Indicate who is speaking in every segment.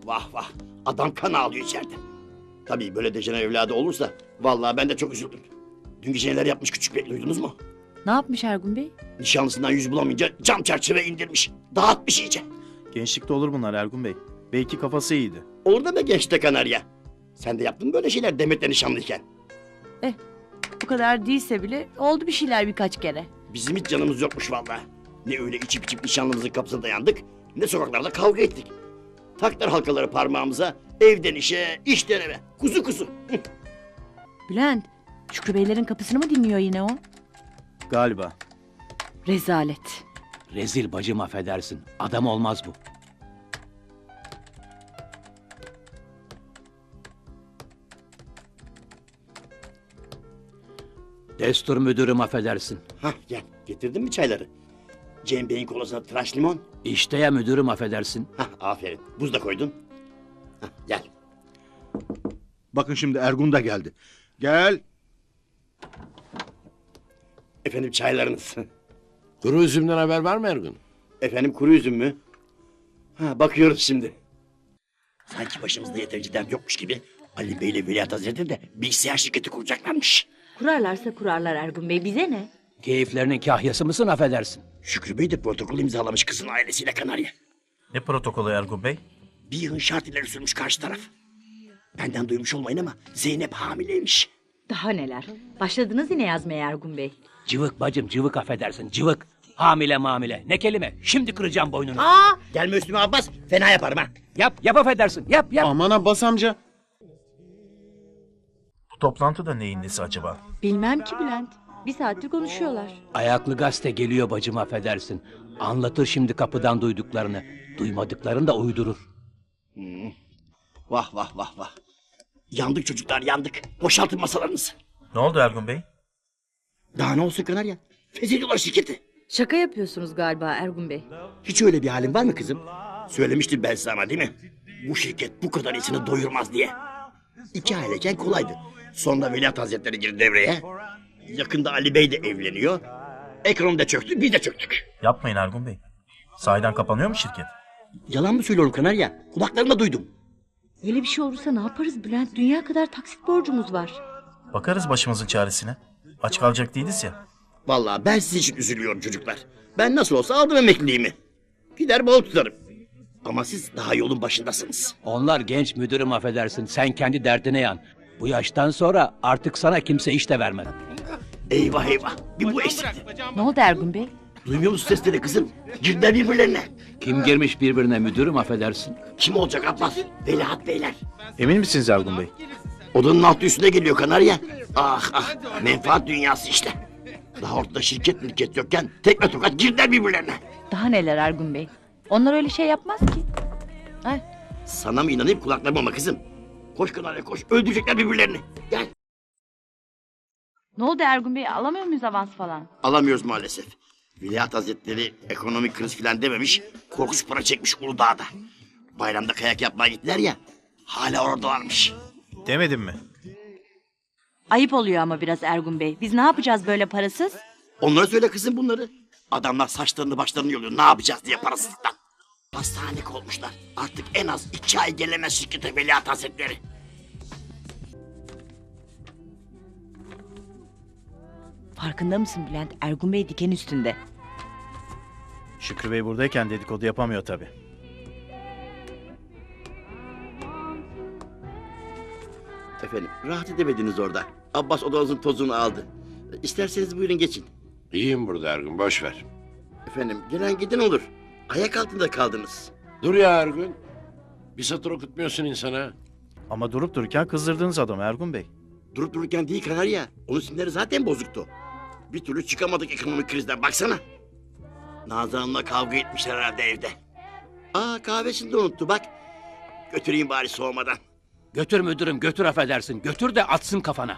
Speaker 1: vah vah. Adam kan ağlıyor içeride. Tabii böyle dejener evladı olursa vallahi ben de çok üzüldüm. Dün gece neler yapmış küçük bey, duydunuz mu?
Speaker 2: Ne yapmış Ergun Bey?
Speaker 1: Nişanlısından yüz bulamayınca cam çerçeve indirmiş. Dağıtmış iyice.
Speaker 3: Gençlikte olur bunlar Ergun Bey. Belki kafası iyiydi.
Speaker 1: Olur da be gençte kanarya. Sen de yaptın böyle şeyler Demet'le nişanlıyken.
Speaker 2: Bu kadar değilse bile oldu bir şeyler birkaç kere.
Speaker 1: Bizim hiç canımız yokmuş vallahi. Ne öyle içip içip nişanlımızın kapısına dayandık, ne sokaklarda kavga ettik. Taktılar halkaları parmağımıza, evden işe, işten eve. Kuzu kuzu.
Speaker 2: Bülent, Şükrü Beylerin kapısını mı dinliyor yine o?
Speaker 3: Galiba.
Speaker 2: Rezalet.
Speaker 4: Rezil bacım affedersin. Adam olmaz bu. Destur müdürüm affedersin.
Speaker 1: Hah gel, getirdin mi çayları? Cem Bey'in kolasına tıraş limon.
Speaker 4: İşte ya müdürüm affedersin.
Speaker 1: Hah aferin, buz da koydun. Hah gel.
Speaker 5: Bakın şimdi Ergun da geldi. Gel.
Speaker 1: Efendim çaylarınız.
Speaker 6: Kuru üzümden haber var mı Ergun?
Speaker 1: Efendim kuru üzüm mü? Ha bakıyoruz şimdi. Sanki başımızda yeterince dert yokmuş gibi Ali Bey ile Veliaht Hazretleri de bilgisayar şirketi kuracaklarmış.
Speaker 7: Kurarlarsa kurarlar Ergun Bey, bize ne?
Speaker 4: Keyiflerinin kahyası mısın affedersin.
Speaker 1: Şükrü Bey de protokol imzalamış kızın ailesiyle Kanarya.
Speaker 3: Ne protokolü Ergun Bey?
Speaker 1: Bir yığın şart ileri sürmüş karşı taraf. Benden duymuş olmayın ama Zeynep hamileymiş.
Speaker 7: Daha neler? Başladınız yine yazmaya Ergun Bey.
Speaker 4: Cıvık bacım cıvık affedersin cıvık. Hamile mamile ne kelime. Şimdi kıracağım boynunu.
Speaker 1: Aa! Gelme üstüme Abbas, fena yaparım ha.
Speaker 4: Yap affedersin yap.
Speaker 3: Aman Abbas amca. Bu toplantı da neyin nesi acaba?
Speaker 7: Bilmem ki Bülent. Bir saattir konuşuyorlar.
Speaker 4: Ayaklı gazete geliyor bacım affedersin. Anlatır şimdi kapıdan duyduklarını. Duymadıklarını da uydurur.
Speaker 1: Vah vah vah vah. Yandık çocuklar yandık. Boşaltın masalarınızı.
Speaker 3: Ne oldu Ergun Bey?
Speaker 1: Daha ne olsun Kanarya? Feshediyorlar şirketi.
Speaker 7: Şaka yapıyorsunuz galiba Ergun Bey.
Speaker 1: Hiç öyle bir halin var mı kızım? Söylemiştim ben sana değil mi? Bu şirket bu kadar iyisini doyurmaz diye. 2 aileyken kolaydı. Sonra Veliaht Hazretleri girdi devreye. Yakında Ali Bey de evleniyor. Ekonomi de çöktü, biz de çöktük.
Speaker 3: Yapmayın Ergun Bey. Sahiden kapanıyor mu şirket?
Speaker 1: Yalan mı söylüyorum Kanarya? Kulaklarımla duydum.
Speaker 7: Öyle bir şey olursa ne yaparız Bülent? Dünya kadar taksit borcumuz var.
Speaker 3: Bakarız başımızın çaresine. Aç kalacak değiliz ya.
Speaker 1: Vallahi ben sizin için üzülüyorum çocuklar. Ben nasıl olsa aldım emekliliğimi. Gider bol tutarım. Ama siz daha yolun başındasınız.
Speaker 4: Onlar genç müdürüm affedersin. Sen kendi derdine yan. Bu yaştan sonra artık sana kimse iş de vermez.
Speaker 1: Eyvah eyvah. Bir bu eksikti.
Speaker 2: Ne oldu Ergun Bey?
Speaker 1: Duymuyor musun sesleri kızım? Girdiler birbirlerine.
Speaker 4: Kim girmiş birbirine müdürüm affedersin.
Speaker 1: Kim olacak Abbas? Veliaht Beyler.
Speaker 3: Emin misiniz Ergun Bey?
Speaker 1: Odanın altı üstüne geliyor Kanarya. Ah ah. Menfaat dünyası işte. Daha ortada şirket mülkiyet yokken tekme tokat girdiler birbirlerine.
Speaker 2: Daha neler Ergun Bey? Onlar öyle şey yapmaz ki. Ay,
Speaker 1: Sana mı inanayım kulaklarıma mı kızım? Koş Kanarya koş. Öldürecekler birbirlerini. Gel.
Speaker 2: ne oldu Ergun Bey? Alamıyor muyuz avans falan?
Speaker 1: Alamıyoruz maalesef. Veliaht Hazretleri ekonomik kriz filan dememiş. Korkunç para çekmiş Uludağ'da. Bayramda kayak yapmaya gittiler ya. Hala oradalarmış.
Speaker 3: Demedim mi?
Speaker 2: Ayıp oluyor ama biraz Ergun Bey. Biz ne yapacağız böyle parasız?
Speaker 1: Onlara söyle kızım bunları. Adamlar saçlarını başlarını yoluyor. Ne yapacağız diye parasızlıktan. Hastanelik olmuşlar. Artık en az 2 ay gelemez şirkete Veliaht Hazretleri.
Speaker 2: Farkında mısın Bülent? Ergun Bey diken üstünde.
Speaker 3: Şükrü Bey buradayken dedikodu yapamıyor tabii.
Speaker 1: Efendim rahat edemediniz orada. Abbas odanızın tozunu aldı. İsterseniz buyurun geçin.
Speaker 6: İyiyim burada Ergun, boş ver.
Speaker 1: Efendim gelen giden olur. Ayak altında kaldınız.
Speaker 6: Dur ya Ergun. Bir satır okutmuyorsun insana.
Speaker 3: Ama durup dururken kızdırdınız adamı Ergun Bey.
Speaker 1: Durup dururken değil Kanarya. Onun sinirleri zaten bozuktu. Bir türlü çıkamadık ekonomik krizden baksana. Nazan Hanım'la kavga etmişler herhalde evde. Aa kahvesini de unuttu bak. Götüreyim bari soğumadan.
Speaker 4: Götür müdürüm götür affedersin. Götür de atsın kafana.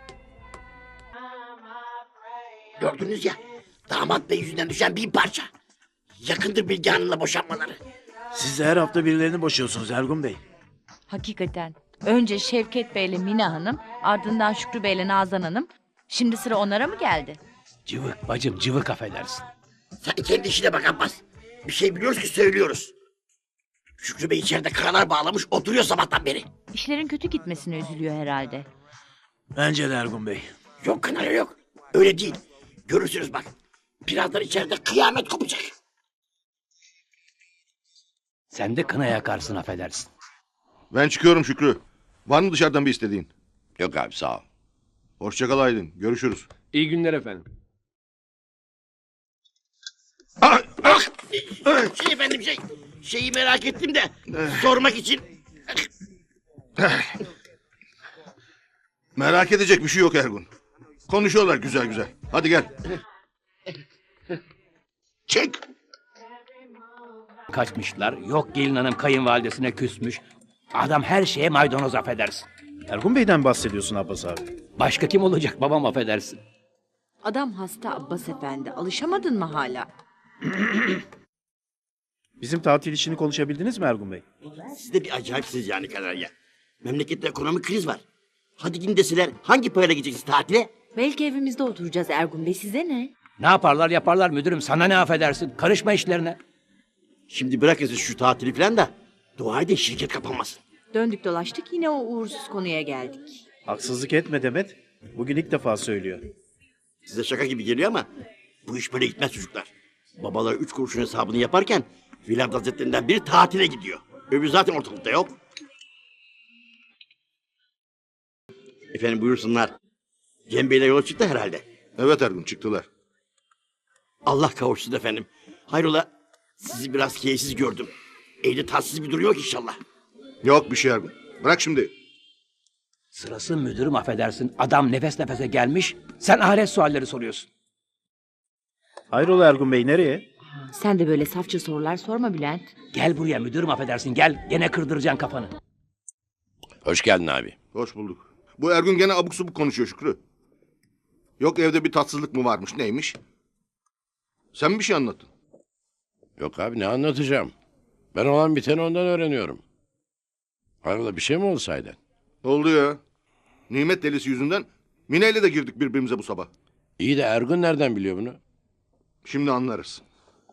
Speaker 1: Gördünüz ya. Damat bey yüzünden düşen 1000 parça. Yakındır Bilge Hanım'la boşanmaları.
Speaker 3: Siz de her hafta birilerini boşuyorsunuz Ergun Bey.
Speaker 2: Hakikaten. Önce Şevket Bey'le Mina Hanım, ardından Şükrü Bey'le Nazan Hanım. Şimdi sıra onlara mı geldi?
Speaker 4: Cıvık bacım cıvık affedersin.
Speaker 1: Sen kendi işine bak Abbas. Bir şey biliyoruz ki söylüyoruz. Şükrü Bey içeride karalar bağlamış oturuyor sabahtan beri.
Speaker 2: İşlerin kötü gitmesine üzülüyor herhalde.
Speaker 3: Bence de Ergun Bey.
Speaker 1: Yok kanarya yok. Öyle değil. Görürsünüz bak. Birazdan içeride kıyamet kopacak.
Speaker 4: Sen de kına yakarsın affedersin.
Speaker 5: Ben çıkıyorum Şükrü. Var mı dışarıdan bir istediğin?
Speaker 6: Yok abi sağ ol.
Speaker 5: Hoşça kal Aydın. Görüşürüz.
Speaker 8: İyi günler efendim.
Speaker 1: Şey efendim şeyi merak ettim de sormak için.
Speaker 5: Merak edecek bir şey yok Ergun. Konuşuyorlar güzel güzel. Hadi gel. Çık.
Speaker 4: Kaçmışlar. Yok gelin hanım kayınvalidesine küsmüş. Adam her şeye maydanoz affedersin.
Speaker 3: Ergun Bey'den bahsediyorsun Abbas abi.
Speaker 4: Başka kim olacak babam affedersin.
Speaker 2: Adam hasta Abbas Efendi. Alışamadın mı hala?
Speaker 3: Bizim tatil işini konuşabildiniz mi Ergun Bey?
Speaker 1: Siz de bir acayipsiniz yani kanarya. Memlekette ekonomik kriz var. Hadi gidin deseler hangi parayla gideceksiniz tatile?
Speaker 7: Belki evimizde oturacağız Ergun Bey, size ne?
Speaker 4: Ne yaparlar yaparlar müdürüm sana ne affedersin. Karışma işlerine.
Speaker 1: Şimdi bırakın siz şu tatili falan da dua edin şirket kapanmasın.
Speaker 2: Döndük dolaştık yine o uğursuz konuya geldik.
Speaker 3: Haksızlık etme Demet. Bugün ilk defa söylüyor.
Speaker 1: Size şaka gibi geliyor ama bu iş böyle gitmez çocuklar. Babalar 3 kuruşun hesabını yaparken Vilayet Hazretlerinden biri tatile gidiyor. Öbürü zaten ortalıkta yok. Efendim buyursunlar. Cem Bey'le yola çıktı herhalde.
Speaker 5: Evet Ergun çıktılar.
Speaker 1: Allah kavuşsun efendim. Hayrola sizi biraz keyifsiz gördüm. Evde tatsız bir durum yok inşallah.
Speaker 5: Yok bir şey Ergun. Bırak şimdi.
Speaker 4: Sırası müdürüm affedersin. Adam nefes nefese gelmiş. Sen ahiret sualleri soruyorsun.
Speaker 3: Hayrola Ergun Bey nereye?
Speaker 2: Sen de böyle safça sorular sorma Bülent.
Speaker 4: Gel buraya müdürüm affedersin gel. Gene kırdıracaksın kafanı.
Speaker 6: Hoş geldin abi.
Speaker 5: Hoş bulduk. Bu Ergun gene abuk subuk konuşuyor Şükrü. Yok evde bir tatsızlık mı varmış neymiş? Sen mi bir şey anlattın?
Speaker 6: Yok abi ne anlatacağım? Ben olan biteni ondan öğreniyorum. Hayrola bir şey mi oldu sahiden?
Speaker 5: Oldu ya. Nimet delisi yüzünden Mine ile de girdik birbirimize bu sabah.
Speaker 6: İyi de Ergun nereden biliyor bunu?
Speaker 5: Şimdi anlarız.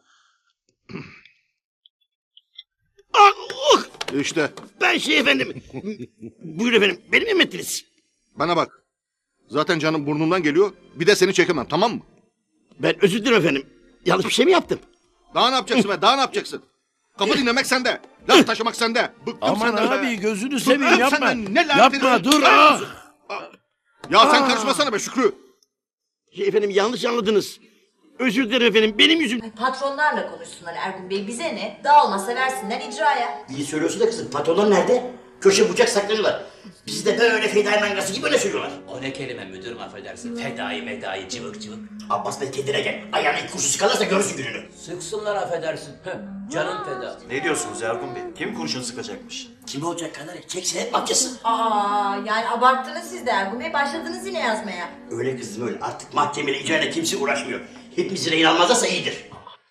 Speaker 5: İşte
Speaker 1: Ben şey efendim. Buyurun efendim. Beni mi emrettiniz?
Speaker 5: bana bak. Zaten canım burnundan geliyor. Bir de seni çekemem tamam mı?
Speaker 1: Ben özür dilerim efendim. Yanlış bir şey mi yaptım?
Speaker 5: Daha ne yapacaksın be? Daha ne yapacaksın? Kapı dinlemek sende. Laf taşımak sende. Bıktım
Speaker 6: Aman
Speaker 5: senden be.
Speaker 6: abi gözünü
Speaker 5: Dur,
Speaker 6: seveyim
Speaker 5: öp
Speaker 6: yapma.
Speaker 5: senden, ne lanet
Speaker 6: Yapma
Speaker 5: herif.
Speaker 6: dur.
Speaker 5: Ya sen karışmasana be Şükrü.
Speaker 1: Şey efendim yanlış anladınız. Özür dilerim efendim. Benim yüzüm.
Speaker 9: Patronlarla konuşsunlar Ergun Bey, bize ne? Dağılmasa versinler icraya.
Speaker 1: İyi söylüyorsun da kızım. Patronlar nerede? Köşe bucak saklanıyorlar. Bizi de böyle fedai mangası gibi öyle söylüyorlar.
Speaker 4: O ne kelime müdürüm affedersin. Fedai medai cıvık cıvık.
Speaker 1: Abbas Bey kendine gel. Ayağına ilk kurşun sıkarlarsa görürsün gününü.
Speaker 4: Sıksınlar affedersin. Canım feda.
Speaker 3: Ne diyorsunuz Ergun Bey? Kim kurşun sıkacakmış?
Speaker 1: Kim olacak kanarya? Çeksin hep mafyası.
Speaker 9: Aa, yani abarttınız siz de Ergun Bey, başladınız yine yazmaya.
Speaker 1: Öyle kızım öyle. Artık mahkemeyle icrayla kimse uğraşmıyor. Hepimizi rehin almazlarsa iyidir.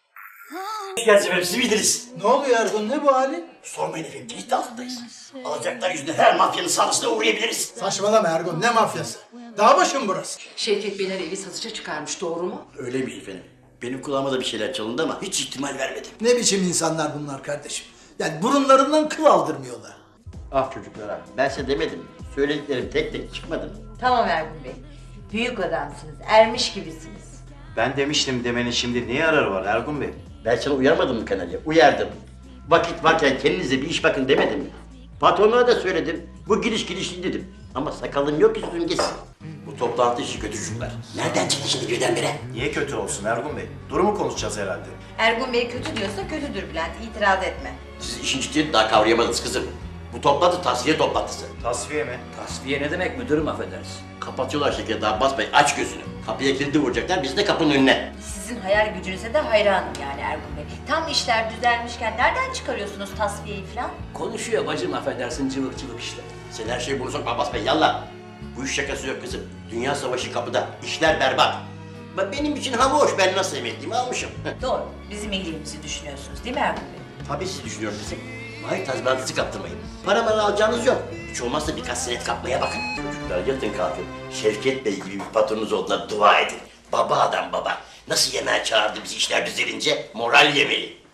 Speaker 1: Hoş geldiniz efendim. Siz bildiniz.
Speaker 10: Ne oluyor Ergun, ne bu halin?
Speaker 1: Sormayın efendim. Tehdit altındayız. Alacaklar yüzünden her mafyanın saldırısına uğrayabiliriz.
Speaker 10: Saçmalama Ergun, ne mafyası? Dağ başı mı burası?
Speaker 9: Şevket Beyler evi satışa çıkarmış, doğru mu?
Speaker 1: Öyleymiş efendim. Benim kulağıma da bir şeyler çalındı ama hiç ihtimal vermedim.
Speaker 10: Ne biçim insanlar bunlar kardeşim? Yani burunlarından kıl aldırmıyorlar.
Speaker 1: Ah çocuklar ah. Ben size demedim. Söylediklerim tek tek çıkmadı mı?
Speaker 9: Tamam Ergun Bey. Büyük adamsınız, ermiş gibisiniz.
Speaker 3: Ben demiştim demenin şimdi ne yararı var Ergun Bey?
Speaker 1: Ben sana uyarmadım mı kanarya? Uyardım. Vakit varken kendinize bir iş bakın demedim mi? Patronlara da söyledim. Bu gidişli dedim. Ama sakalım yok ki sözüm geçsin. Bu toplantı işi kötü çocuklar. Nereden çıktı şimdi birdenbire?
Speaker 3: Niye kötü olsun Ergun Bey? Durumu konuşacağız herhalde.
Speaker 9: Ergun Bey kötü diyorsa kötüdür Bülent, itiraz etme.
Speaker 1: Siz işin ciddiyetini daha kavrayamadınız kızım. Bu toplantı tasfiye toplantısı.
Speaker 3: Tasfiye mi?
Speaker 4: Tasfiye ne demek müdürüm affedersin.
Speaker 1: Kapatıyorlar şirketi Abbas Bey. Aç gözünü. Kapıya kilidi vuracaklar. Biz de kapının önüne.
Speaker 9: Sizin hayal gücünüze de hayranım yani Ergun Bey. Tam işler düzelmişken nereden çıkarıyorsunuz tasfiyeyi falan?
Speaker 4: Konuşuyor bacım affedersin cıvık cıvık işte.
Speaker 1: Sen her şeyi bunu sokma Abbas Bey. Yallah. Bu iş şakası yok kızım. Dünya savaşı kapıda. İşler berbat. Bak benim için hava hoş. Ben nasıl emekliyimi almışım.
Speaker 9: Doğru, bizim iyiliğimizi düşünüyorsunuz değil mi Ergun Bey?
Speaker 1: Tabii siz düşünüyorum kızım. Vay tazminatınızı kaptırmayın. Para alacağınız yok. Hiç olmazsa birkaç senet kapmaya bakın. Çocuklar yatın kalkın. Şevket Bey gibi bir patronunuz olduğuna dua edin. Baba adam baba. Nasıl yemeğe çağırdı bizi işler düzelince moral yemeli.
Speaker 9: Ay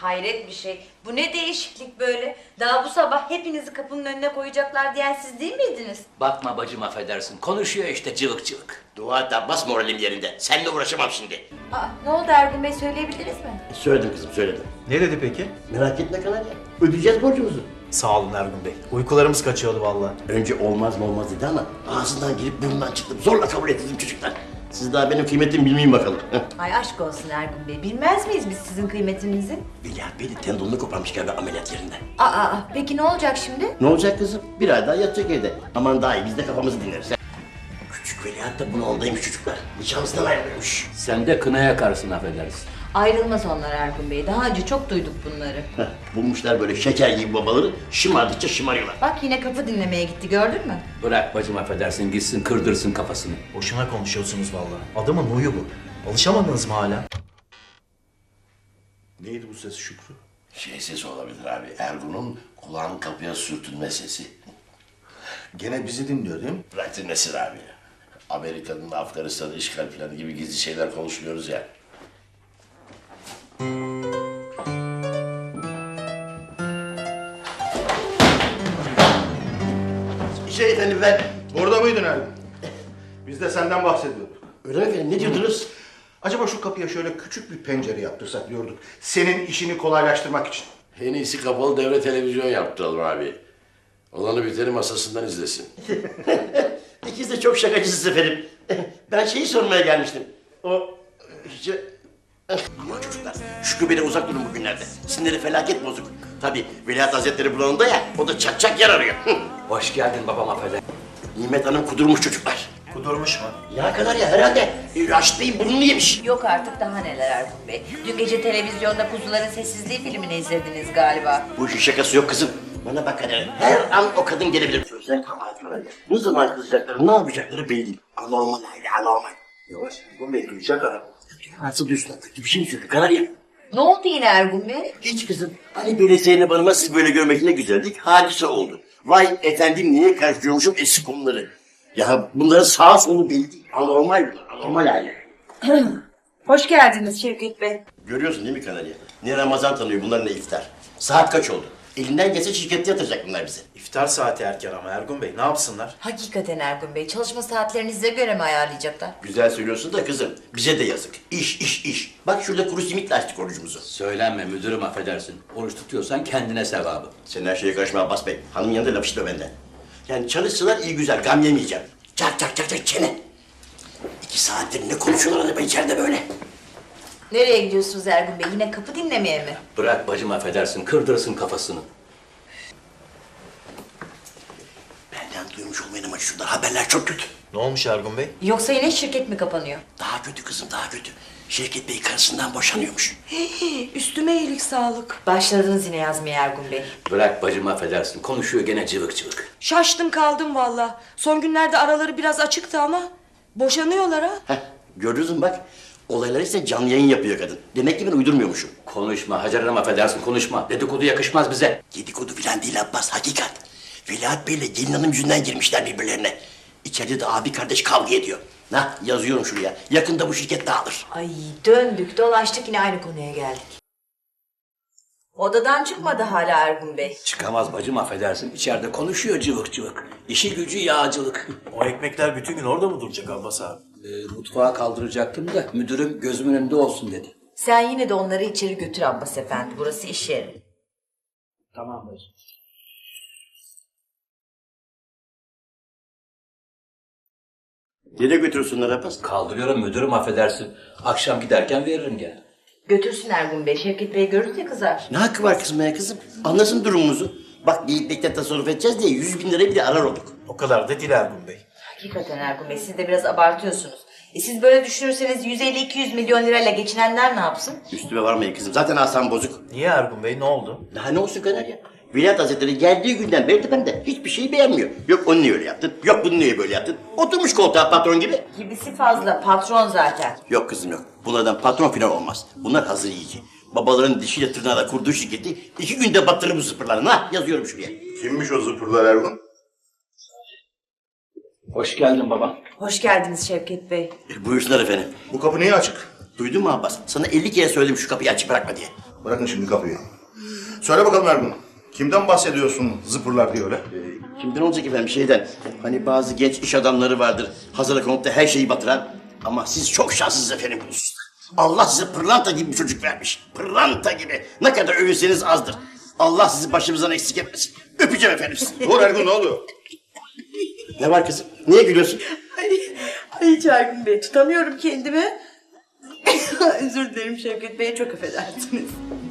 Speaker 9: hayret bir şey. Bu ne değişiklik böyle? Daha bu sabah hepinizi kapının önüne koyacaklar diyen siz değil miydiniz?
Speaker 4: Bakma bacım affedersin. Konuşuyor işte cıvık cıvık.
Speaker 1: Dua et Abbas, moralim yerinde. Seninle uğraşamam şimdi.
Speaker 9: Aa, ne oldu Ergun Bey, söyleyebiliriz mi?
Speaker 1: Söyledim kızım, söyledim.
Speaker 8: Ne dedi peki?
Speaker 1: Merak etme Kanarya. Ödeyeceğiz borcumuzu.
Speaker 8: Sağ olun Ergun Bey. Uykularımız kaçıyordu vallahi.
Speaker 1: Önce olmaz mı olmaz dedi ama ağzından girip burnundan çıktım. Zorla kabul ettirdim çocuklar. Siz daha benim kıymetimi bilmeyin bakalım.
Speaker 9: Ay aşk olsun Ergun Bey. Bilmez miyiz biz sizin kıymetinizi?
Speaker 1: Veliaht Bey de tendonunu koparmış galiba ameliyat yerinde.
Speaker 9: Peki ne olacak şimdi?
Speaker 1: Ne olacak kızım? Bir ay daha yatacak evde. Aman daha iyi, biz de kafamızı dinleriz. Küçük Veliaht da bunu oldaymış çocuklar. Nişanlısından ayrılmış.
Speaker 4: Sen de kına yakarsın affedersin.
Speaker 9: Ayrılmaz onlar Ergun Bey. Daha önce çok duyduk bunları.
Speaker 1: Bulmuşlar böyle şeker gibi babaları, şımardıkça şımarıyorlar.
Speaker 9: Bak yine kapı dinlemeye gitti, gördün mü?
Speaker 4: Bırak bacım affedersin gitsin kırdırsın kafasını.
Speaker 8: Boşuna konuşuyorsunuz vallahi. Adamın huyu bu. Alışamadınız mı hala?
Speaker 5: Neydi bu ses Şükrü?
Speaker 6: Şey sesi olabilir abi. Ergun'un kulağının kapıya sürtünme sesi.
Speaker 5: Gene bizi dinliyor değil mi?
Speaker 6: Bırak dinlesin abi. Amerika'nın Afganistan'ı işgal planı gibi gizli şeyler konuşmuyoruz ya.
Speaker 1: Efendim ben...
Speaker 5: Orada mıydın Ergun? Biz de senden bahsediyorduk.
Speaker 1: Öyle mi efendim, ne diyordunuz?
Speaker 5: Acaba şu kapıya şöyle küçük bir pencere yaptırsak diyorduk. Senin işini kolaylaştırmak için.
Speaker 6: En iyisi kapalı devre televizyon yaptıralım abi. Olanı biteni masasından izlesin.
Speaker 1: İkiniz de çok şakacısınız efendim. Ben şeyi sormaya gelmiştim. Aman çocuklar, Şükrü Bey'den uzak durun bugünlerde. Sinirleri felaket bozuk. Tabii Veliaht Hazretleri bulanında ya, o da çak çak yer arıyor.
Speaker 4: Hoş geldin babam affedersin.
Speaker 1: Nimet Hanım kudurmuş çocuklar.
Speaker 8: Kudurmuş mu?
Speaker 1: Ya kadar ya herhalde. Raşit Bey'in burnunu yemiş.
Speaker 9: Yok artık, daha neler Ergun Bey. Dün gece televizyonda Kuzuların Sessizliği filmini izlediniz galiba.
Speaker 1: Bu işin şakası yok kızım. Bana bak hadi. Her an o kadın gelebilir. Sözler kabahatler. Ne zaman kızacakları, ne yapacakları belli değil. Anormal aile, anormal. Yavaş, bu Bey duyacak ara. Nasıl duysun artık? Bir şey mi söyledi Kanarya?
Speaker 9: Ne oldu yine Ergun Bey?
Speaker 1: Hiç kızım. Hani böyle Zeynep Hanım'a siz böyle görmek ne güzeldik. Hadise oldu. Vay efendim, niye karıştırıyormuşum eski konuları. Ya bunların sağ solu belli değil. Anormal bunlar, anormal aile.
Speaker 9: Hoş geldiniz Şevket Bey.
Speaker 1: Görüyorsun değil mi Kanarya? Ne Ramazan tanıyor bunlar, ne iftar. Saat kaç oldu? Elinden gelse şirkette yatıracak bunlar bize.
Speaker 8: İftar saati erken ama Ergun Bey ne yapsınlar?
Speaker 9: Hakikaten Ergun Bey, çalışma saatlerinize göre mi ayarlayacaklar?
Speaker 1: Güzel söylüyorsun da kızım, bize de yazık. İş, iş, iş. Bak şurada kuru simitle açtık orucumuzu.
Speaker 4: Söylenme müdürüm affedersin. Oruç tutuyorsan kendine sevabı.
Speaker 1: Sen her şeye karışma Abbas Bey. Hanım yanında laf işitme benden. Yani çalışsalar iyi güzel, gam yemeyeceğim. Çak çak çak çak çene. 2 saattir ne konuşuyorlar acaba içeride böyle?
Speaker 9: Nereye gidiyorsunuz Ergun Bey? Yine kapı dinlemeye mi?
Speaker 4: Bırak bacım affedersin kırdırsın kafasını.
Speaker 1: Benden duymuş olmayın ama şurada haberler çok kötü.
Speaker 8: Ne olmuş Ergun Bey?
Speaker 9: Yoksa yine şirket mi kapanıyor?
Speaker 1: Daha kötü kızım, daha kötü. Şevket Bey karısından boşanıyormuş.
Speaker 9: Üstüme iyilik sağlık. Başladınız yine yazmaya Ergun Bey.
Speaker 4: Bırak bacım affedersin konuşuyor gene cıvık cıvık.
Speaker 11: Şaştım kaldım valla. Son günlerde araları biraz açıktı ama boşanıyorlar ha.
Speaker 1: Heh, gördünüz mü bak. Olayları ise canlı yayın yapıyor kadın. Demek ki ben uydurmuyormuşum.
Speaker 4: Konuşma Hacer Hanım affedersin konuşma. Dedikodu yakışmaz bize.
Speaker 1: Dedikodu filan değil Abbas, hakikat. Veliaht Bey'le gelin hanım yüzünden girmişler birbirlerine. İçeride de abi kardeş kavga ediyor. Nah, yazıyorum şuraya. Yakında bu şirket dağılır.
Speaker 9: Ay döndük dolaştık yine aynı konuya geldik. Odadan çıkmadı hala Ergun Bey.
Speaker 4: Çıkamaz bacım affedersin. İçeride konuşuyor cıvık cıvık. İşi gücü yağcılık.
Speaker 8: O ekmekler bütün gün orada mı duracak Abbas abi?
Speaker 4: Mutfağa kaldıracaktım da müdürüm gözümün önünde olsun dedi.
Speaker 9: Sen yine de onları içeri götür Abbas Efendi. Burası iş yeri.
Speaker 4: Tamam bacım.
Speaker 1: Nereye götürürsünler Abbas?
Speaker 4: Kaldırıyorum müdürüm affedersin. Akşam giderken veririm gene.
Speaker 9: Götürsün Ergun Bey. Şevket Bey görünce kızar.
Speaker 1: Ne hakkı var kızmaya kızım? Anlasın durumumuzu. Bak geyiklikten tasarruf edeceğiz diye 100.000 lirayı bile arar olduk.
Speaker 8: O kadar da değil Ergun Bey.
Speaker 9: Hakikaten Ergun Bey, siz de biraz abartıyorsunuz. Siz böyle düşünürseniz 150-200 milyon lirayla geçinenler ne yapsın?
Speaker 1: Üstüme varmayın kızım. Zaten asam bozuk.
Speaker 8: Niye Ergun Bey ne oldu?
Speaker 1: Daha ne olsun Kanarya? Veliaht Hazretleri geldiği günden beri tepemde. Hiçbir şeyi beğenmiyor. Yok onu niye öyle yaptın? Yok bunu niye böyle yaptın? Oturmuş koltuğa patron gibi.
Speaker 9: Gibisi fazla, patron zaten.
Speaker 1: Yok kızım yok. Bunlardan patron falan olmaz. Bunlar hazır yiyici. Babaların dişiyle tırnağıyla kurduğu şirketi 2 günde batırır bu zıpırlarını. Ha, yazıyorum şuraya.
Speaker 5: Kimmiş o zıpırlar Ergun?
Speaker 4: Hoş geldin baba.
Speaker 9: Hoş geldiniz Şevket Bey.
Speaker 1: Buyursunlar efendim.
Speaker 5: Bu kapı niye açık?
Speaker 1: Duydun mu Abbas? Sana 50 kere söyledim şu kapıyı açık bırakma diye.
Speaker 5: Bırakın şimdi kapıyı. Söyle bakalım Ergun. Kimden bahsediyorsun zıpırlar diye öyle?
Speaker 1: Kimden olacak efendim şeyden? Hani bazı genç iş adamları vardır. Hazırlık konuda her şeyi batıran. Ama siz çok şanslısınız efendim bu hususta. Allah size pırlanta gibi bir çocuk vermiş. Pırlanta gibi. Ne kadar övünseniz azdır. Allah sizi başımızdan eksik etmesin. Öpeceğim efendim sizi.
Speaker 5: Dur Ergun, ne oluyor?
Speaker 1: Ne var kızım? Niye gülüyorsun?
Speaker 11: Ay Ergun Bey, tutamıyorum kendimi. Özür dilerim Şevket Bey, çok affedersiniz.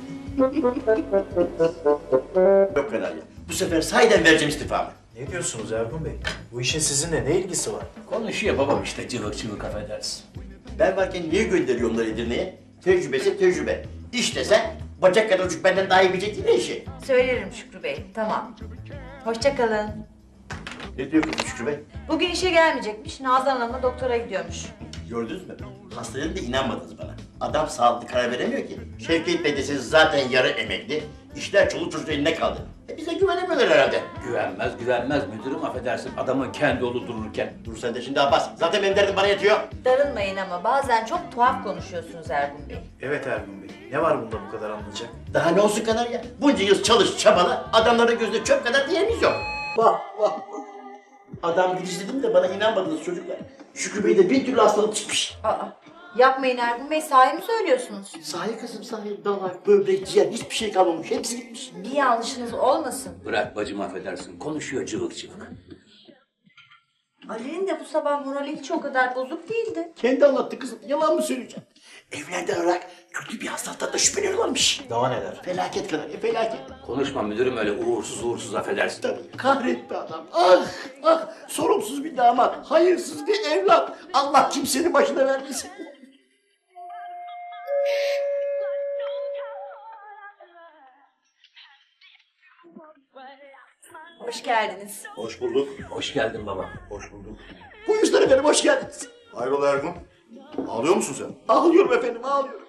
Speaker 1: Yok fena ya. Bu sefer sahiden vereceğim istifamı.
Speaker 8: Ne diyorsunuz Ergun Bey? Bu işin sizinle ne ilgisi var?
Speaker 4: Konuşuyor babam işte cıvık cıvık affedersin.
Speaker 1: Ben varken niye gönderiyor onları Edirne'ye? Tecrübesi tecrübe. İş desen bacak kadar çocuk benden daha iyi bilecek değil mi işi?
Speaker 9: Söylerim Şükrü Bey. Tamam. Hoşça kalın.
Speaker 1: Ne diyor kızım Şükrü Bey?
Speaker 9: Bugün işe gelmeyecekmiş. Nazan Hanım'la doktora gidiyormuş.
Speaker 1: Gördünüz mü? Hastaların da inanmadınız bana. Adam sağlıklı karar veremiyor ki. Şevket Bey deseniz zaten yarı emekli. İşler çoluk çocuk eline kaldı. Bize güvenemiyorlar herhalde.
Speaker 4: Güvenmez müdürüm affedersin. Adamın kendi oğlu dururken.
Speaker 1: Dur sen de şimdi Abbas. Zaten benim derdim bana yetiyor.
Speaker 9: Darılmayın ama bazen çok tuhaf konuşuyorsunuz Ergun Bey.
Speaker 8: Evet Ergun Bey. Ne var bunda bu kadar anlayacak?
Speaker 1: Daha ne olsun kadar ya? Bunca yıl çalış çabala. Adamların gözünde çöp kadar değerimiz yok. Vah vah. Adam gidiş dedim de bana inanmadınız çocuklar. Şükrü Bey'de bir türlü hastalık çıkmış.
Speaker 9: Aa, yapmayın Ergun Bey. Sahi mi söylüyorsunuz?
Speaker 1: Sahi kızım sahi. Dalak, böbrek, ciğer hiçbir şey kalmamış. Hepsi gitmiş.
Speaker 9: Bir yanlışınız olmasın.
Speaker 4: Bırak bacım affedersin. Konuşuyor cıvık cıvık.
Speaker 9: Ali'nin de bu sabah morali hiç o kadar bozuk değildi.
Speaker 1: Kendi anlattı kızım. Yalan mı söyleyeceğim? Evlerden olarak kötü bir hastalıktan da şüpheleniyorlarmış.
Speaker 8: Daha neler?
Speaker 1: Felaket kadar. Felaket.
Speaker 4: Konuşma müdürüm öyle uğursuz affedersin.
Speaker 1: Tabii kahretti adam. Ah ah. Sorumsuz bir damat. Hayırsız bir evlat. Allah kimsenin başına vermesin.
Speaker 9: Hoş geldiniz.
Speaker 5: Hoş bulduk.
Speaker 4: Hoş geldin baba.
Speaker 5: Hoş bulduk.
Speaker 1: Buyursunlar efendim. Hoş geldiniz.
Speaker 5: Hayrola Ergun? Ağlıyor musun sen?
Speaker 1: Ağlıyorum efendim. Ağlıyorum.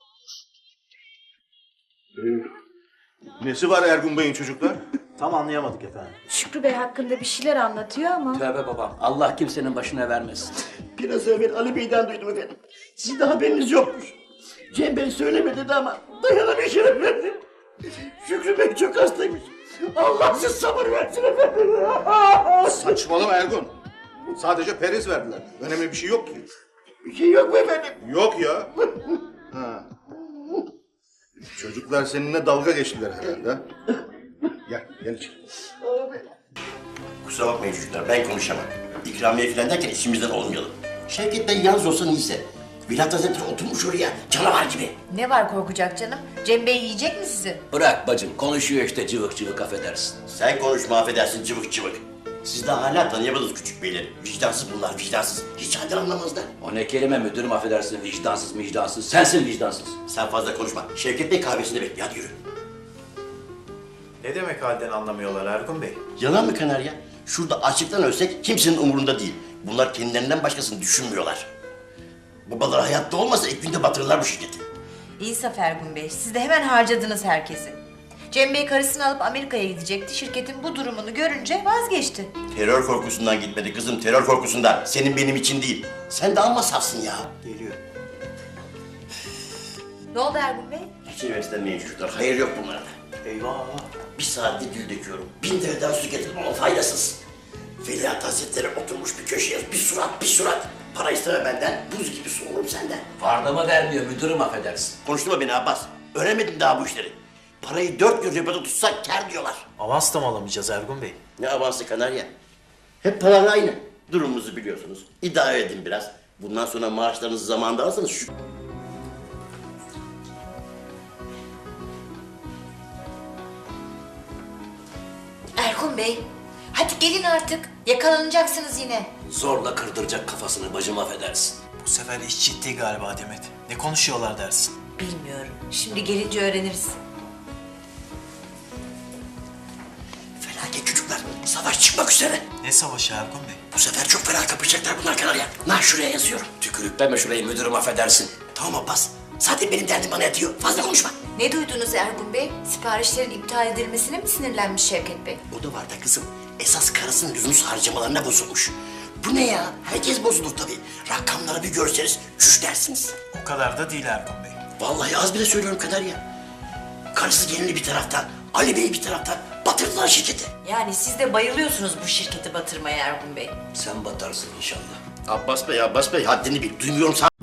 Speaker 5: Nesi var Ergun Bey'in çocuklar?
Speaker 8: Tam anlayamadık efendim.
Speaker 9: Şükrü Bey hakkında bir şeyler anlatıyor ama.
Speaker 4: Tövbe babam. Allah kimsenin başına vermesin.
Speaker 1: Biraz evvel Ali Bey'den duydum efendim. Sizin de haberiniz yokmuş. Cem Bey söylemedi dedi ama dayanamayacağım efendim. Şükrü Bey çok hastaymış. Allah size sabır versin efendim.
Speaker 5: Saçmalama Ergun. Sadece periz verdiler. Önemli bir şey yok ki.
Speaker 1: Bir şey yok mu efendim?
Speaker 5: Yok ya. Ha. Çocuklar seninle dalga geçtiler herhalde. Ha? Gel içeri.
Speaker 1: Kusura bakmayın çocuklar ben konuşamam. İkramiye falan derken içimizden olmayalım. Şevket Bey yalnız olsa neyse. Vilayet Hazretleri oturmuş oraya canavar gibi.
Speaker 9: Ne var korkacak canım? Cem Bey yiyecek mi sizi?
Speaker 4: Bırak bacım. Konuşuyor işte cıvık cıvık affedersin.
Speaker 1: Sen konuşma affedersin cıvık cıvık. Siz de hala tanıyamadınız küçük beyleri. Vicdansız bunlar vicdansız. Hiç halden anlamazlar.
Speaker 4: O ne kelime müdürüm affedersin. Vicdansız vicdansız. Sensin vicdansız.
Speaker 1: Sen fazla konuşma. Şevket Bey kahvesinde bekliyor. Hadi yürü.
Speaker 8: Ne demek halden anlamıyorlar Ergun Bey?
Speaker 1: Yalan mı Kanarya? Şurada açlıktan ölsek kimsenin umurunda değil. Bunlar kendilerinden başkasını düşünmüyorlar. Babalar hayatta olmasa ilk günde batırırlar bu şirketi.
Speaker 9: İnsaf Ergun Bey. Siz de hemen harcadınız herkesi. Cem Bey karısını alıp Amerika'ya gidecekti. Şirketin bu durumunu görünce vazgeçti.
Speaker 1: Terör korkusundan gitmedi kızım, terör korkusundan. Senin benim için değil. Sen de amma safsın ya.
Speaker 8: Geliyor.
Speaker 9: Ne oldu Ergun Bey?
Speaker 1: Hiç heveslenmeyin çocuklar, hayır yok bunlarda.
Speaker 8: Eyvah.
Speaker 1: Bir saatte gül döküyorum. 1000 dereden su getirdim ama faydasız. Veliaht Hazretleri oturmuş bir köşeye bir surat. Para isteme benden, buz gibi soğurum senden.
Speaker 4: Vardama vermiyor müdürüm affedersin.
Speaker 1: Konuşturma beni Abbas. Öğrenmedim daha bu işleri. Parayı 4 gün repede tutsak kâr diyorlar.
Speaker 8: Avans da mı alamayacağız Ergun Bey?
Speaker 1: Ne avansı Kanarya? Hep paralar aynı. Durumumuzu biliyorsunuz. İdare edin biraz. Bundan sonra maaşlarınızı zamanında alırsanız şu...
Speaker 9: Ergun Bey, hadi gelin artık. Yakalanacaksınız yine.
Speaker 4: Zorla kırdıracak kafasını bacım affedersin.
Speaker 8: Bu sefer iş ciddi galiba Demet. Ne konuşuyorlar dersin?
Speaker 9: Bilmiyorum. Şimdi gelince öğreniriz.
Speaker 1: Felaket çocuklar. Savaş çıkmak üzere.
Speaker 8: Ne savaşı Ergun Bey?
Speaker 1: Bu sefer çok fena kapışacaklar bunlar Kanarya. Nah şuraya yazıyorum.
Speaker 4: Tükürükleme şurayı müdürüm affedersin.
Speaker 1: Tamam Abbas. Zaten benim derdim bana yatıyor. Fazla konuşma.
Speaker 9: Ne duydunuz Ergun Bey? Siparişlerin iptal edilmesine mi sinirlenmiş Şevket Bey?
Speaker 1: O da var da kızım. Esas karısının lüzumsuz harcamalarına bozulmuş. Bu ne ya? Herkes bozulur tabii. Rakamları bir görseniz çüş dersiniz.
Speaker 8: O kadar da değil Ergun Bey.
Speaker 1: Vallahi az bile söylüyorum Kanarya. Karısı gelini bir taraftan, Ali Bey bir taraftan batırdılar şirketi.
Speaker 9: Yani siz de bayılıyorsunuz bu şirketi batırmaya Ergun Bey.
Speaker 8: Sen batarsın inşallah.
Speaker 1: Abbas Bey haddini bil. Duymuyorum sana.